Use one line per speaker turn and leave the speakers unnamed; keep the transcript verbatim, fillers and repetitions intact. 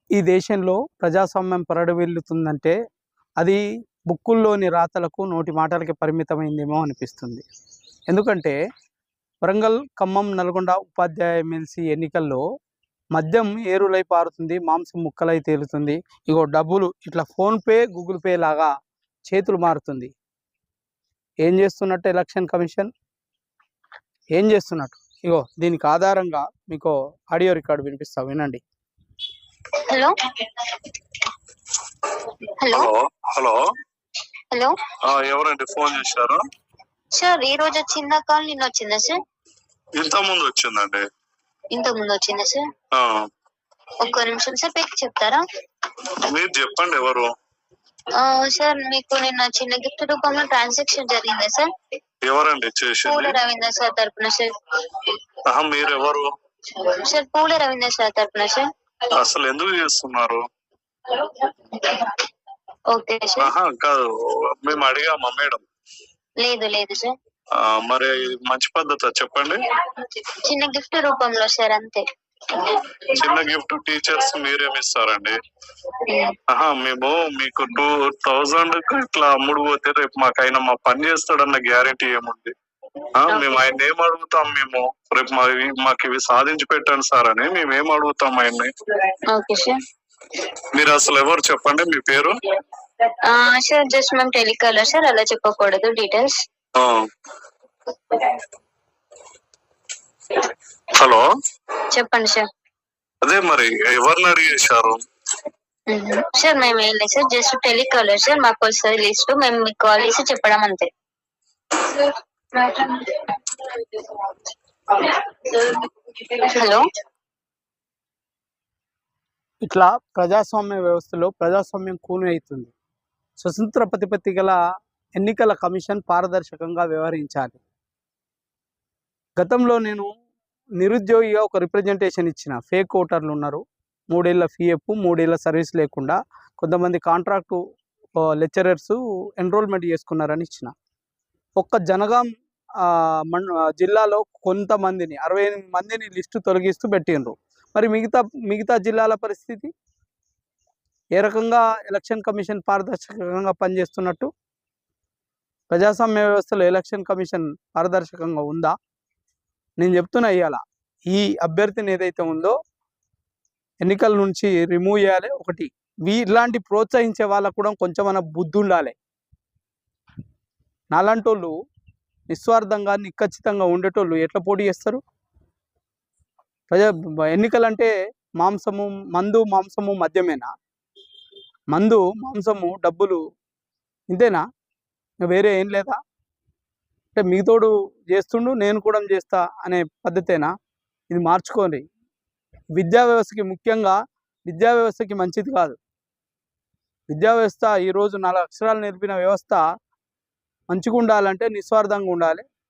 ఈ దేశంలో ప్రజాస్వామ్యం పరిఢవిల్లుతుందంటే అది బుక్కుల్లోని రాతలకు నోటి మాటలకి పరిమితమైందేమో అనిపిస్తుంది. ఎందుకంటే వరంగల్, ఖమ్మం, నల్గొండ ఉపాధ్యాయ ఎమ్మెల్సీ ఎన్నికల్లో మద్యం ఏరులై పారుతుంది, మాంసం ముక్కలై తేలుతుంది. ఇగో డబ్బులు ఇట్లా ఫోన్పే, గూగుల్ పే లాగా చేతులు మారుతుంది. ఏం చేస్తున్నట్టు ఎలక్షన్ కమిషన్? ఏం చేస్తున్నట్టు? ఇగో దీనికి ఆధారంగా మీకు ఆడియో రికార్డు వినిపిస్తా, వినండి.
హలో హలో
హలో
హలో
ఎవరండి ఫోన్ చేశారు?
సార్ ఈ రోజు వచ్చిందా కాల్? నిన్న వచ్చిందా సార్?
ఇంత ముందు వచ్చిందండి.
ఇంత ముందు వచ్చిందా సార్?
ఆ,
ఒక్క నిమిషం సార్, పెట్టి చెప్తారా?
మీరు చెప్పండి ఎవరు?
ఆ, సార్ మీకు నిన్న చిన్న గిఫ్ట్ రూపంలో ట్రాన్సాక్షన్ జరిగిందా సార్?
ఎవరండి
పూల
చేసింది?
రవీంద్ర సార్ తరపున సార్.
ఆహా, మీరు ఎవరు?
సార్ పూల రవీంద్ర సార్ తరపున సార్.
అసలు ఎందుకు చేస్తున్నారు?
Okay sir.
ఆహా కాదు, మేము అడిగామా మేడం?
లేదు లేదు సార్.
ఆ, మరి మంచి పద్ధతి చెప్పండి.
చిన్న గిఫ్ట్ రూపంలో సార్, అంతే.
చిన్న గిఫ్ట్ టీచర్స్ మీరేమిస్తారండి? ఆహా, మేము మీకు టూ థౌజండ్ ఇట్లా అమ్ముడు పోతే రేపు మాకైనా మా పని చేస్తాడన్న గ్యారెంటీ ఏముంది? మేము ఆయన ఏం అడుగుతాం? మేము రేపు మా మాకు ఇవి సాధించి పెట్టండి సార్ అని మేము ఏం అడుగుతాం ఆయన్ని?
Okay sir.
మీరు అసలు ఎవరు చెప్పండి, మీ పేరు?
సార్ జస్ట్ మేము టెలికాలర్ సార్, అలా చెప్పకూడదు డీటెయిల్స్.
హలో
చెప్పండి సార్.
అదే మరి ఎవరిని అడిగేశారు?
సార్ మేము ఏం లేదు సార్, జస్ట్ టెలికాలర్ సార్, మాకు వస్తుంది లిస్ట్, మేము మీకు కాల్ చేసి చెప్పడం అంతే. హలో
ఇట్లా ప్రజాస్వామ్య వ్యవస్థలో ప్రజాస్వామ్యం కూని అవుతుంది. స్వతంత్ర ప్రతిపత్తి గల ఎన్నికల కమిషన్ పారదర్శకంగా వ్యవహరించాలి. గతంలో నేను నిరుద్యోగిగా ఒక రిప్రజెంటేషన్ ఇచ్చిన. ఫేక్ ఓటర్లు ఉన్నారు, మూడేళ్ల ఫీఎఫ్, మూడేళ్ల సర్వీస్ లేకుండా కొంతమంది కాంట్రాక్టు లెక్చరర్స్ ఎన్రోల్మెంట్ చేసుకున్నారని ఇచ్చిన. ఒక్క జనగాం మన్ జిల్లాలో కొంతమందిని, అరవై ఎనిమిది మందిని లిస్టు తొలగిస్తూ పెట్టిండ్రు. మరి మిగతా మిగతా జిల్లాల పరిస్థితి ఏ రకంగా ఎలక్షన్ కమిషన్ పారదర్శకంగా పనిచేస్తున్నట్టు? ప్రజాస్వామ్య వ్యవస్థలో ఎలక్షన్ కమిషన్ పారదర్శకంగా ఉందా? నేను చెప్తున్నా, ఇవాళ ఈ అభ్యర్థిని ఏదైతే ఉందో ఎన్నికల నుంచి రిమూవ్ చేయాలి. ఒకటి, వీ ఇలాంటి ప్రోత్సహించే వాళ్ళకు కూడా కొంచెమన్నా బుద్ధి ఉండాలి. నాలాంటోళ్ళు నిస్వార్థంగా నిఖచ్చితంగా ఉండేటోళ్ళు ఎట్లా పోటీ చేస్తారు? ప్రజా ఎన్నికలంటే మాంసము, మందు, మాంసము, మద్యమేనా? మందు, మాంసము, డబ్బులు, ఇంతేనా? వేరే ఏం లేదా? అంటే మిగతోడు చేస్తుండు, నేను కూడా చేస్తా అనే పద్ధతేనా? ఇది మార్చుకోండి. విద్యా వ్యవస్థకి, ముఖ్యంగా విద్యా వ్యవస్థకి మంచిది కాదు. విద్యా వ్యవస్థ ఈరోజు నాలుగు అక్షరాలు నేర్పిన వ్యవస్థ మంచిగా ఉండాలంటే నిస్వార్థంగా ఉండాలి.